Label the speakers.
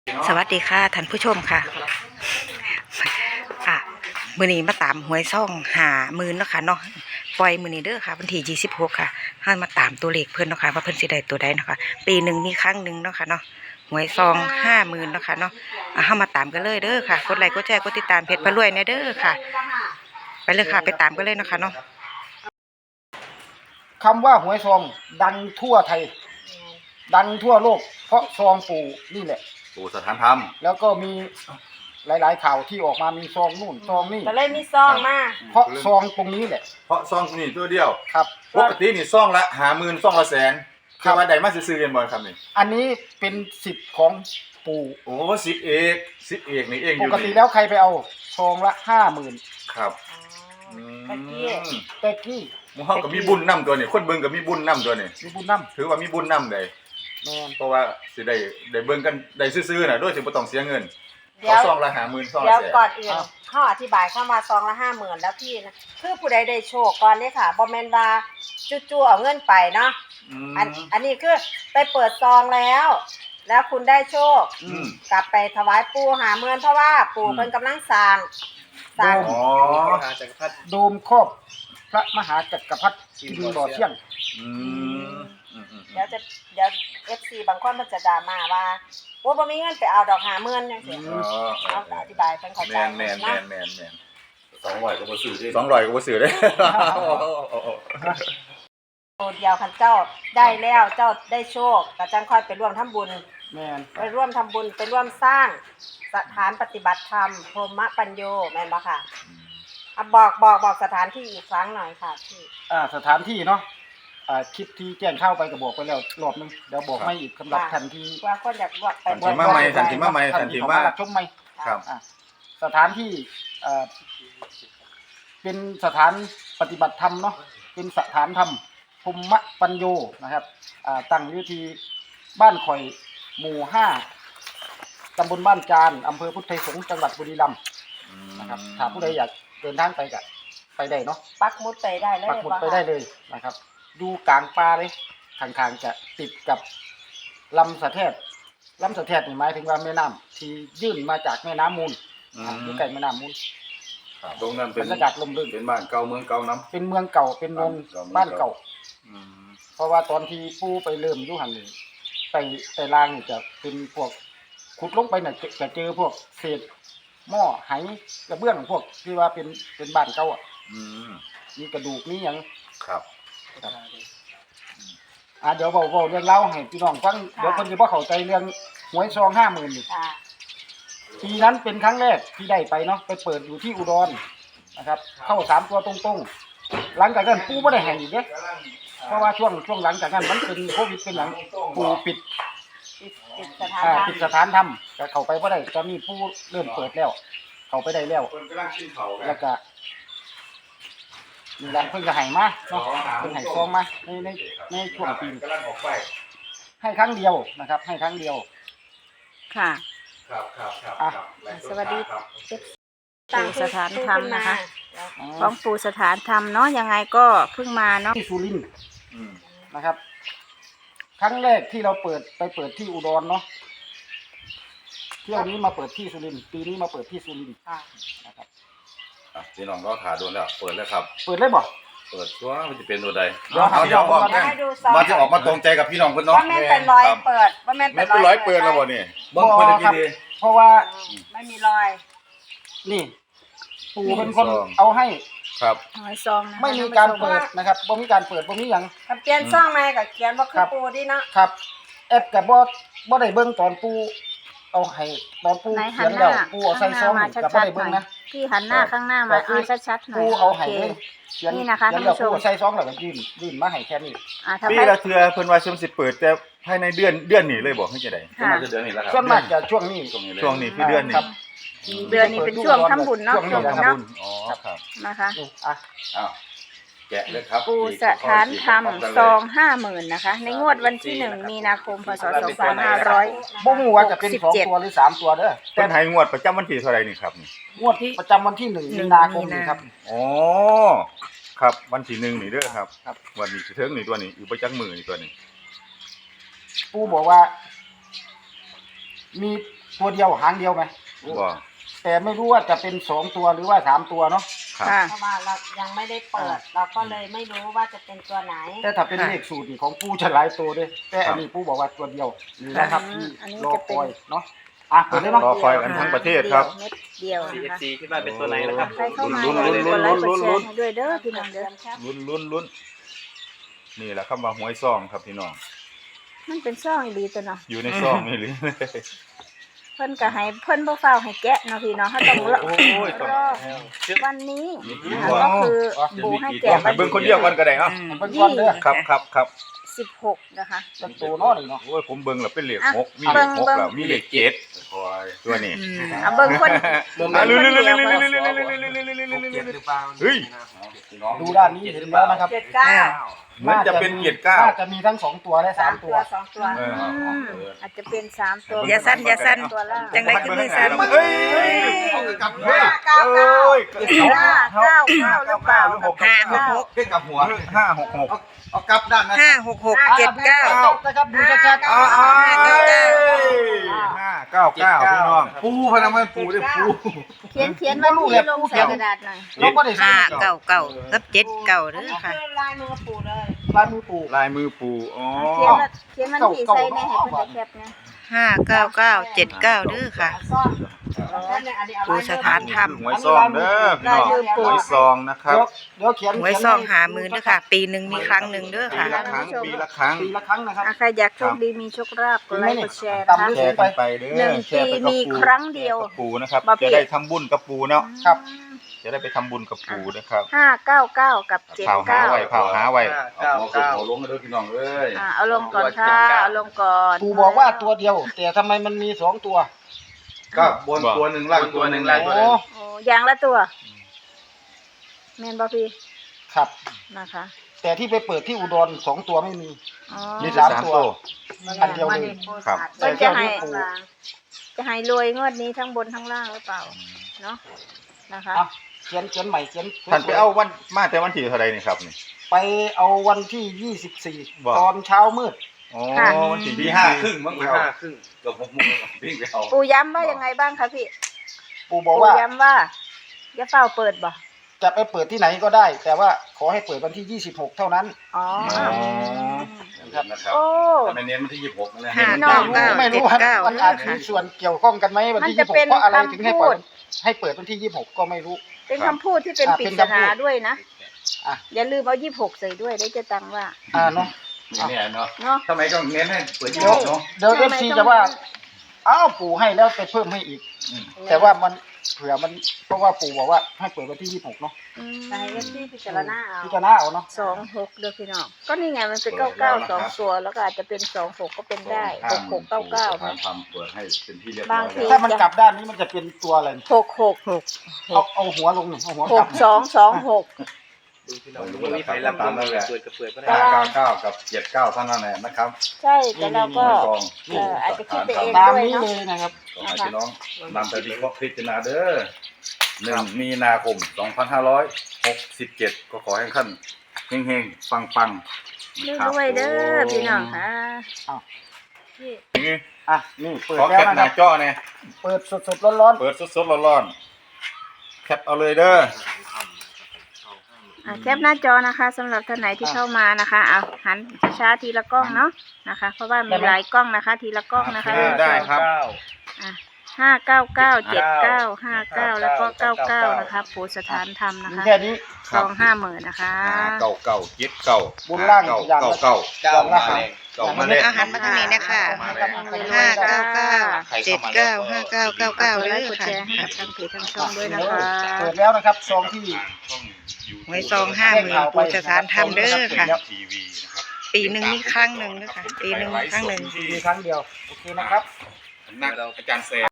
Speaker 1: สวัสดีค่ะท่านผู้ชมค่ะอ่ะมื้อนี้มาตามหวยซ่อง50,000เนาะค่ะเนาะปล่อยมื้อนี้เด้อค่ะวันที่26ค่ะเฮามาตามตัวเลขเพิ่นเนาะค่ะว่าเพิ่นสิได้ตัวใดเนาะค่ะปีหนึ่งมีครั้งหนึ่งเนาะค่ะเนาะหวยซอง50,000เนาะค่ะเนาะเฮามาตามกันเลยเด้อค่ะกดไลค์กดแชร์กดติดตามเพจพระรวยแน่เด้อค่ะไปเลยค่ะไปตามกันเลยเนาะค่ะเนาะ
Speaker 2: คำว่าหวยซองดังทั่วไทยดังทั่วโลกเพราะซองปู่นี่แหละ
Speaker 3: ปู่สถานธรรม
Speaker 2: แล้วก็มีหลายๆข่าวที่ออกมามีซองนู่นซองนี่
Speaker 4: ก็เลยมีซองมา
Speaker 2: เพราะซองตรงนี้แหละ
Speaker 3: เพราะซ่องนี่ตัวเดียว
Speaker 2: ครับ
Speaker 3: ปกตินี่ซ่องละ50,000ซ่องละแสนคือว่าใดมาซื้อๆกันบ่ครับนี่
Speaker 2: อันนี้เป็นสิทธิ์ของปู่
Speaker 3: โอ้10 เอกนี่เองอ
Speaker 2: ป
Speaker 3: ยู่
Speaker 2: กติแล้วใครไปเอาซองละ50,000
Speaker 3: ครับ
Speaker 4: ตะกี้
Speaker 2: แต่กี้
Speaker 3: หมู่เฮาก็มีบุญนำตัวนี่คนเบิ่งก็มีบุญนำตัวนี่
Speaker 2: มีบุญน้
Speaker 3: ถือว่ามีบุญนำได้
Speaker 2: ำแม่น
Speaker 3: เพราะว่าสิได้เบิ่งกันได้ซื้อๆน่ะโดยที่บ่ต้องเสียเงิน
Speaker 4: เดี๋ยว
Speaker 3: ซ่องละ50,000ซ่อง
Speaker 4: เดี๋ยว
Speaker 3: ละแสน
Speaker 4: ก่อนอื่นเขาอธิบายเข้ามาซองละ50,000แล้วพี่นะคือผู้ใดได้โชคก่อนนี่ค่ะบ่แม่นว่าจู่ๆเอาเงินไปเนาะอันนี้คือไปเปิดซองแล้วคุณได้โชคกลับไปถวายปู่50,000เพราะว่าปู่เพิ่นกำลังสร้าง
Speaker 3: อ๋อ
Speaker 2: โดมครอบพระมหาจักรพรรดิกินบ่อเที่ยง
Speaker 4: เดี๋ยว FC บางคนมันจะด่ามาว่าโอ้บ่มีเงินไปเอาดอก50,000จังซี่เอาอธิบายเพิ่นเข้าใจ
Speaker 3: แม่น
Speaker 5: 200ก็บ่ซื้อได้
Speaker 3: 200ก็บ่ซื้อได้
Speaker 4: ตัวเดียวคันเจ้าได้แล้วเจ้าได้โชคก็จังค่อยไปร่วมทำบุญ
Speaker 2: แม่น
Speaker 4: ไปร่วมทำบุญไปร่วมสร้างสถานปฏิบัติธรรมพรหมปัญโยแม่นบ่ค่ะบอกสถานที่อีกครั้งหน่อยค่ะพี่
Speaker 2: สถานที่เนาะคลิปที่แจ้งเข้าไปก็บอกไปแล้วรอบนึงเดี๋ยวบอกไม่อีกสำหรับทันที
Speaker 4: ว่าคนอยากว่าไป
Speaker 3: ทันทีมาใหม่ทันทีมา
Speaker 2: ชมใหม่
Speaker 3: ครับ
Speaker 2: สถานที่เป็นสถานปฏิบัติธรรมเนาะเป็นสถานธรรมพรหมปัญโยนะครับตั้งอยู่ที่บ้านข่อยหมู่5ตำบลบ้านจานอำเภอพุทธไทยสงฆ์จังหวัดบุรีรัมย์นะครับถ้าผู้ใดอยากเดินทางไปก็ไปได้เนาะ
Speaker 4: ปักหมุดไปได้เลย
Speaker 2: ปักหมุดไปได้เลยนะครับดูกลางป่าเลยข้างๆจะติดกับลำสะแทดนี่หมายถึงว่าแม่น้ำที่ยื่นมาจากแม่น้ำมูลอยู่ใกล้แม่น้ำมูล
Speaker 3: ตรงนั้นเป็น
Speaker 2: บรรยากาศลมรื่น
Speaker 3: เป็นบ้านเก่าเมืองเก่าน้ำ
Speaker 2: เป็นเมืองเก่าเป็นนนบ้านเก่าเพราะว่าตอนที่ปู่ไปเริ่มอยู่หันนี่ไปล่างนี่จะเป็นพวกขุดลงไปน่ะจะเจอพวกเศษหม้อไหกระเบื้องพวกที่ว่าเป็นบ้านเก่ามีกระดูกมีหยัง
Speaker 3: ครับ
Speaker 2: เดี๋ยวเว้าเรื่องเล่าให้พี่น้องฟังเดี๋ยวคนจะบ่เข้าใจเรื่องหวยซอง50,000นี่ปีนั้นเป็นครั้งแรกที่ได้ไปเนาะไปเปิดอยู่ที่อุดรนะครับเข้า3ตัวตรงๆหลังจากนั้นปู่บ่ได้ให้อีกเด้เพราะว่าช่วงหลังจากนั้นมันเป็นโควิดเป็นหยังปู่ปิดสถานธรรมก็เข้าไปบ่ได้ตอนนี้ปู่เริ่มเปิดแล้วเข้าไปได้แล้วแล้วก็นี่แหละเพิ่งจะให้มาเนาะเพิ่งให้ซองมาในช่วงปีให้ครั้งเดียวนะครับให้ครั้งเดียว
Speaker 1: ค่ะ
Speaker 4: สวัสดี
Speaker 1: ปู่สถานธรรมนะคะของปู่สถานธรรมเนาะยังไงก็เพิ่งมาเนาะ
Speaker 2: ที่สุรินทร์นะครับครั้งแรกที่เราไปเปิดที่อุดรเนาะเที่ยวนี้มาเปิดที่สุรินทร์ปีนี้มาเปิดที่สุรินทร์นะครับ
Speaker 3: พี่น้องก็ขาโดนแล้วเปิดแล้วครับ
Speaker 2: เปิดเลยบ่
Speaker 3: เปิดตัวมันจะเป็นตัวใด
Speaker 2: เดี๋ยว
Speaker 3: บอกกันมาจะออกมาตรงใจกับพี่น้องเพิ่นเนาะ
Speaker 4: ว่าแม่นเป็นรอยเปิดว่าแม่นเป็น
Speaker 3: รอยเปิดแล้วบ่นี่เบิ่งเพิ่นกี่ดี
Speaker 2: เพราะว่า
Speaker 4: ไม่มีรอย
Speaker 2: นี่ปู่เป็นคนเอาให้
Speaker 3: ครับ
Speaker 1: หวยซอง
Speaker 2: ไม่มีการเปิดนะครับบ่มีการเปิดบ่มีหยัง
Speaker 4: เขียนซองมาก็เขียนบ่คือปู่ดิเนาะ
Speaker 2: ครับแอปก็บ่ได้เบิ่งตอนปู่เอาให้ตอนปู่เขียนแล้วปู่เอาใส่ซองก็บ่ได้เบิ่งนะ
Speaker 1: พี่หันหน้าข้างหน้ามาเอาชัดๆหน่อย
Speaker 2: ปู่เอาให้เลย
Speaker 1: นี่นะคะท่านผู้ชม
Speaker 2: ใส่ซองแล้วก็ยื่นมาให้แค่นี้
Speaker 3: ปีละเทื่อเพิ่นว่าสิเปิดแต่ภายในเดือนนี้เลยบ่คือจังได๋
Speaker 2: มาจะเดือนนี้แล้วครับส่วนมากจะช่วงนี้
Speaker 3: คือเดือนนี้
Speaker 1: นี้เป็นช่วงทำบุญเนาะ
Speaker 3: ช่วงทำบุญอ๋อครับ
Speaker 1: นะคะ
Speaker 3: อ้าวแกะเลยครับ
Speaker 1: ปู่สถานธรรมซอง50,000นะคะในงวดวันที่1 มีนาคมพศ2500
Speaker 2: บ่ฮู้ว่าจะเป็น2ตัวหรือ3ตัวเด้อ
Speaker 3: เพิ่นให้งวดประจำวันที่เท่าไหร่นี่ครับ
Speaker 2: งวดประจำวันที่1 มีนาคมนี่ครับ
Speaker 3: อ๋อครับวันที่1นี่เด้อครับวันนี้สิถึงนี่ตัวนี้อยู่ประจักษ์มื้อนี่ตัวนี้
Speaker 2: ปู่บอกว่ามีตัวเดียวหางเดียวไหม
Speaker 3: บ่
Speaker 2: แต่ไม่รู้ว่าจะเป็น2ตัวหรือว่า3ตัวเนาะ
Speaker 3: ครับ
Speaker 1: ค่ะ
Speaker 4: เพราะว่าเรายังไม่ได้เปิด เราก็เลยไม่รู้ว่าจะเป็นตัวไหน
Speaker 2: แต่ถ้าเป็นเลขสูตรนี่ของปู่จะหลายตัวด้วยแต่อันนี้ปู่บอกว่าตัวเดียวนี่นะครับที่
Speaker 1: อันนี้
Speaker 2: รอ
Speaker 1: จะ
Speaker 2: ค
Speaker 1: เป็น
Speaker 2: อยเนาะเปิดเลยเนาะ
Speaker 3: รอคอยกันทั้งประเทศครับ
Speaker 1: เม็ดเดียวนะคะ
Speaker 5: CFC คิดว่าเป็นตัวไหนนะครับ
Speaker 1: ใครเข้ามา
Speaker 3: ลุ้น
Speaker 1: อย่าลืมกดไลค์กดแช
Speaker 3: ลุ้
Speaker 1: ร์
Speaker 3: น
Speaker 1: ให้ด้วยเด้อพี่น้องเด้อ
Speaker 3: ลุ้นนี่แหละคำว่าหวยซองครับพี่น้อง
Speaker 1: มันเป็นซ่องอีหลีตัวเนาะ
Speaker 3: อยู่ในซองนี่หรือ
Speaker 1: เพิ่นก็ให้เพิ่นบ่ฟ้าวให้แกะเนาะพี่น้องเฮาต้องรอ
Speaker 3: โอ้ยต้อง
Speaker 1: วันนี้นะคะ
Speaker 3: ว้าว
Speaker 1: ก็คือปู่ให้แกะ
Speaker 3: ให้เบิ่งคนเดียวกันก็ได้เอ้า
Speaker 2: เบิ่งก่อนเด้อ
Speaker 3: ครับ
Speaker 1: 16นะคะ
Speaker 2: จังตัวเนาะนี่เนาะ
Speaker 3: โอ้ยผมเบิ่งแล้วเป็นเลข
Speaker 1: อ่ะ
Speaker 3: 6มีเลข
Speaker 1: เบิ่ง
Speaker 3: 6แล้วมีเลข7ตัวนี้
Speaker 1: เบิ่งคน
Speaker 3: อ่ะลุ้น เฮ้ย
Speaker 2: ดูด้านนี้เห็นแล้วนะครับ
Speaker 4: 79
Speaker 3: เหมือนจะเป็นเกียรติ
Speaker 2: น่า
Speaker 3: 9
Speaker 2: จะมีทั้ง2ตัวและ3ตัว
Speaker 4: 2 ตัว
Speaker 3: เออ
Speaker 1: อาจจะเป็น3ตัว
Speaker 3: อย่าสั้นอย่าสั้น
Speaker 1: ตัวล่าง
Speaker 3: จังได๋คือมือสั่นเฮ้ย
Speaker 2: กับหัว
Speaker 1: 599หรือเปล่า
Speaker 3: 566
Speaker 5: ขึ้นกับหัว
Speaker 3: 566
Speaker 5: เอากลับด้านนะ
Speaker 1: 56679
Speaker 2: นะครับดูชัดๆ
Speaker 3: 599พี่น้อง
Speaker 5: ปูพนักงานปูด้วยปู
Speaker 1: เขียนวันที่ลงใส่กระดาษหน่อย
Speaker 2: เราก็ได้ใช้
Speaker 1: 599กับ79เด้อค่ะ
Speaker 4: คือลายมือปู่เลย
Speaker 2: ลายมือปู่
Speaker 3: ลายมือปู่อ๋อ
Speaker 1: เขียนวันที่ใส่ในให้เพิ่นได้แคปนะ59979เด้อค่ะ
Speaker 4: ซ่อนอันนี้เอา
Speaker 1: ปู่สถานธรรม
Speaker 3: หวยซองเด้อพี่น้องหวยซองนะครับ
Speaker 2: เดี๋ยวเขียน
Speaker 1: หวยซองหามือเด้อค่ะ ปีหนึงมีครั้งหนึงเด้อ
Speaker 3: ปี
Speaker 1: ค่ะ
Speaker 3: ละครั้งปีละครั้ง
Speaker 2: ปีละครั้งนะครับ
Speaker 1: ใครอยากโชคดีมีโชคลาภกดไลค์กดแชร์นะ
Speaker 2: ตาม
Speaker 1: คะ
Speaker 2: ด้วย
Speaker 3: แชร์กันไปเด้
Speaker 1: หนึ่
Speaker 3: อง แชร์ไปกับ
Speaker 1: ปีมี
Speaker 3: ปู่
Speaker 1: ครั้งเดียว
Speaker 3: กับปู่นะครับ
Speaker 1: บ่ผิ
Speaker 3: จะ
Speaker 1: ด
Speaker 3: ได้ทำบุญกับปู่เนาะ
Speaker 2: ครับ
Speaker 3: จะได้ไปทำบุญกับปู่นะครับ
Speaker 1: 599กับ79
Speaker 3: เผาหาไว้เผาหาไว้
Speaker 5: เอาหัวขึ้นหัวลงกันด้วยพี่น้องเอ้ย
Speaker 1: เอาลงก่อนค่ะเอาลงก่อน
Speaker 2: ปู่บอกว่าตัวเดียว แต่ทำไมมันมี2ตัว
Speaker 5: ก็บนตัวหนึ่งล่างตัวหนึ่งล่างตัวหนึ่ง
Speaker 1: โอ้อย่างละตัวแม่นบ่พี่
Speaker 2: ครับ
Speaker 1: นะคะ
Speaker 2: แต่ที่ไปเปิดที่อุดร2ตัวไม่มี
Speaker 1: อ๋อ
Speaker 2: มี
Speaker 3: สาม
Speaker 2: 3 ตัว อันเดียวเลย
Speaker 3: ครับ
Speaker 1: เพิ่นจะให้รวยงวดนี้ทั้งบนทั้งล่างหรือเปล่าเนาะนะคะ
Speaker 2: อ่ะเขียนใหม่เขียน
Speaker 3: ท่านไปเอาวันมาแต่วันที่เท่าไรนี่ครับนี่
Speaker 2: ไปเอาวันที่
Speaker 3: ว่า
Speaker 2: 24 ตอนเช้ามืด
Speaker 3: อ๋อวันที่
Speaker 5: ตี
Speaker 3: 25
Speaker 5: 5:30มั้งตี 5:30เกือบ6 โมงวิ่งไปเอา
Speaker 1: ปู่ย้ำว่ายังไงบ้างคะพี่
Speaker 2: ปู่บอกว่า
Speaker 1: ย้ำว่าอย่าเฝ้าเปิดบ่
Speaker 2: จะไปเปิดที่ไหนก็ได้ แต่ว่าขอให้เปิดวันที่ 26 เท่านั้น
Speaker 1: อ๋อ
Speaker 5: นะครับ
Speaker 1: โอ้
Speaker 5: แต่ไม่เน้นมันที่26นะ
Speaker 1: ห้า
Speaker 2: ไม่รู้ไม่รู้ว่ามันอาจมีส่วนเกี่ยวข้องกันไหมวันที่
Speaker 1: มันจะเป็น
Speaker 2: 26เพราะอะไรถึงให้เปิด
Speaker 1: คำพูด
Speaker 2: ให้เปิดวันที่ 26 ก็ไม่รู้
Speaker 1: เป็นคำพูดที่เป็น
Speaker 2: อ่ะ
Speaker 1: ปริ
Speaker 2: เป็น
Speaker 1: ศ
Speaker 2: คำพู
Speaker 1: นา
Speaker 2: ด
Speaker 1: ด้วยนะ
Speaker 2: อ่ะ
Speaker 1: อย่าลืมเอา26ใส่ด้วยได้จะตังว่า
Speaker 2: เนาะ
Speaker 5: เนี่ยเนาะ
Speaker 1: เนาะ
Speaker 5: ทำไมต้องเน้นให้เปิด
Speaker 2: เดี๋ยว
Speaker 5: 26เนาะ
Speaker 2: เดี๋ยว FC จะว่าอ้าวปู่ให้แล้วไปเพิ่มให้อีก แต่ว่ามันเผื่อมันเพราะว่าปู่บอกว่าให้เปิดวันที่ 26 เนาะ
Speaker 1: อืม
Speaker 4: ในเอฟซีพิจารณาเอา
Speaker 2: พิจารณาเอาเนาะ
Speaker 1: 26เด้อพี่น้องก็นี่ไงมันเป็น99 2ตัวแล้วก็อาจจะเป็น26ก็เป็นได้6699นะ
Speaker 5: ทำเปิดให้เป็นที่เรียบร้
Speaker 1: บา
Speaker 5: อง ย
Speaker 1: ที
Speaker 2: ถ้ามันกลับด้านนี้มันจะเป็นตัวอะไรเนี่ย
Speaker 1: 666
Speaker 2: เอาหัวลงหนึ่งเอาหัวกลับ
Speaker 1: 6226
Speaker 5: วันนี้ไปลำตามนั่นแหละ
Speaker 1: ตาราง
Speaker 5: 599กับ79เท่านั้นแหละนะครับ
Speaker 1: ใช่แต่เราก็ อาจจะคิดไปเอง
Speaker 2: ตาม
Speaker 1: ด้วย
Speaker 2: นี้
Speaker 1: เนาะ
Speaker 2: เลยนะครับ
Speaker 5: ขอให้พี่น้องนำไปวิเคราะห์พิจารณาเด้อ1 มีนาคม 2567 ก็ขอให้ท่านเฮงๆ ปังๆนะครับ
Speaker 1: ด้วยเด้อพี่น้องค่ะ
Speaker 2: อ่ะนี่เปิด
Speaker 3: ขอ
Speaker 2: แล้
Speaker 3: แคว ป
Speaker 2: นะ
Speaker 3: ห
Speaker 2: ครั
Speaker 3: น้า
Speaker 2: บ
Speaker 3: จอเนี่ย
Speaker 2: เปิดสดๆร้อน
Speaker 3: เปิดสดๆร้อนๆแคปเอาเลยเด้อ
Speaker 1: แคปหน้าจอนะคะสำหรับท่านไหนที่เข้ามานะคะเอาหันช้าๆทีละกล้องเนาะนะคะ เพราะว่ามีหลายกล้องนะคะ ทีละกล้องนะคะ
Speaker 3: ได้ครับ
Speaker 1: 599 79 59แล้วก็99นะคะปู่สถานธรรม
Speaker 2: ๆ
Speaker 1: นะ
Speaker 2: มี
Speaker 1: คะ
Speaker 2: แค่นี้
Speaker 1: ซอง50,000นะคะ
Speaker 3: เก่าเก่าเจ็ดเก่า
Speaker 2: บนล่างอย่าง
Speaker 3: เก่า
Speaker 2: ละ
Speaker 3: เก่า
Speaker 5: เก้ามาแรง
Speaker 3: เก่ามาเลย
Speaker 1: อาหารมาทางนี้นะคะ 599 79 5999เลยค่ะทางเพจทางช่องด้วยนะคะ
Speaker 2: เปิดแล้วนะครับซองที่
Speaker 1: ไว้ซอง50,000ปู่สถานธรรมเด้อค่ะ
Speaker 3: ทีวีนะครับ
Speaker 1: ปีหนึ่งมีครั้งหนึ่งนะคะปีหนึ่งครั้งหนึ่ง
Speaker 2: มีครั้งเดียวโอเคนะครับ
Speaker 3: นักอาจารย์แซ